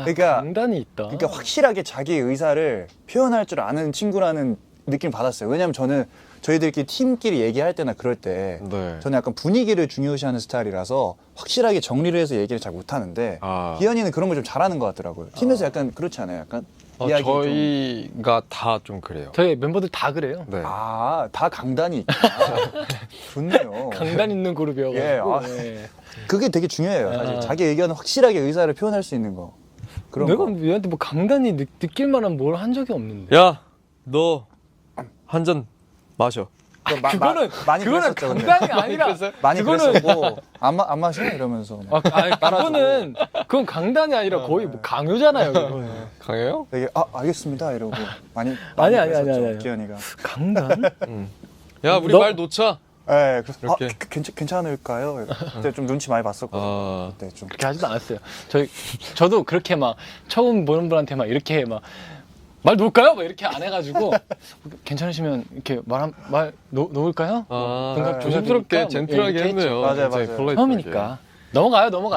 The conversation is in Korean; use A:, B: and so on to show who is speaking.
A: 그러니까
B: 강단이 있다.
A: 그러니까 확실하게 자기 의사를 표현할 줄 아는 친구라는 느낌 받았어요. 왜냐면 저는 저희들끼리 팀끼리 얘기할 때나 그럴 때
C: 네.
A: 저는 약간 분위기를 중요시하는 스타일이라서 확실하게 정리를 해서 얘기를 잘 못하는데 기현이는 그런 걸 좀 잘하는 것 같더라고요. 팀에서 약간 그렇지 않아요? 약간 이야기 좀.
C: 저희가 다 좀 그래요.
B: 저희 멤버들 다 그래요.
C: 네.
A: 다 강단이 있구나. 좋네요.
B: 강단 있는 그룹이어가지고.
A: 예, 아.
B: 예.
A: 그게 되게 중요해요. 사실
B: 아.
A: 자기 의견을 확실하게 의사를 표현할 수 있는 거. 그런
B: 내가
A: 거.
B: 얘한테 뭐 강단이 느낄 만한 뭘 한 적이 없는데.
C: 야, 너 한 잔 마셔.
B: 그거는
A: 많이
B: 그거는
A: 그랬었죠, 근데.
B: 강단이 아니라
A: 많이
B: 그거는
A: 그랬었고 안 마셔 이러면서 막
B: 그거는 그건 강단이 아니라 거의 뭐 강요잖아요. 그거는.
C: 강해요?
A: 되게 알겠습니다 이러고 많이
B: 아니,
A: 그랬었죠,
B: 아니.
A: 기현이가.
B: 강단?
C: 야, 우리
B: 너-
C: 말 놓자.
A: 네, 그래서
C: 이렇게.
A: 괜찮을까요? 그때 좀 눈치 많이 봤었거든요.
C: 아.
A: 그때 좀.
B: 그렇게 하지도 않았어요. 저도 그렇게 막 처음 보는 분한테 막 이렇게 막 말 놓을까요? 막 이렇게 안 해가지고 괜찮으시면 이렇게 말 놓을까요?
C: 아,
B: 뭔가
C: 조심스럽게
B: 조심스럽게
C: 젠틀하게
B: 이렇게 했죠.
C: 했네요.
A: 맞아요,
C: 굉장히
A: 맞아요.
C: 폴라이트하게.
B: 처음이니까 넘어가요.